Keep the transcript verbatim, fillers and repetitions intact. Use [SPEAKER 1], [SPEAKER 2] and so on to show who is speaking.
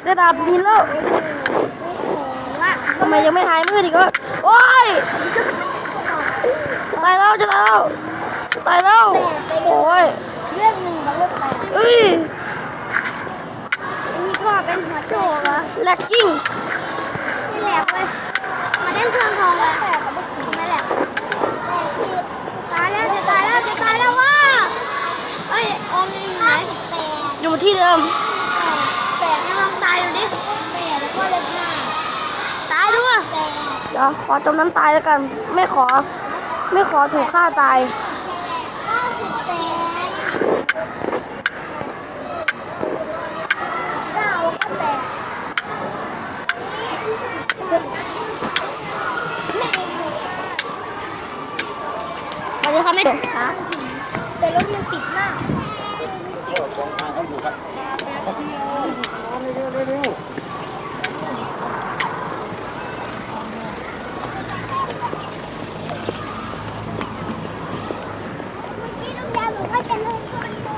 [SPEAKER 1] ได้ดาบดินแล้วทำไมยังไม่หายมืดอีกวะโอ้ยตายแล้วจะตายแล้วตายแล้วโอ้ย
[SPEAKER 2] เรื่องหนึ่งมันก็แตก
[SPEAKER 1] เอ้ย
[SPEAKER 2] อันนี้ก็เป็นหัวโจกเหรอ
[SPEAKER 1] แลกกิ้ง
[SPEAKER 2] ไม่แหลกเลยมาเล่นเครื่องทองเลยไม่แหลกตายแล้วจะตายแล้วจะตายแล้วว่าเอ้ยอมยังไหน
[SPEAKER 1] อยู่ที่เดิม
[SPEAKER 2] แปดยังลองตายดูดิแปดแล้วก็เลขห้าตายด้วย
[SPEAKER 1] เดี๋ยวขอจมน้ำตายแล้วกันไม่ขอ ไม่ขอถูกฆ่าตาย
[SPEAKER 2] เก้าสิบแปดเก้าแล้วก็แปด
[SPEAKER 1] สวัสดีครับแม่
[SPEAKER 2] แต่รถมันติดมาก
[SPEAKER 3] ก็สองทางเขาอยู่ครับ
[SPEAKER 2] แปด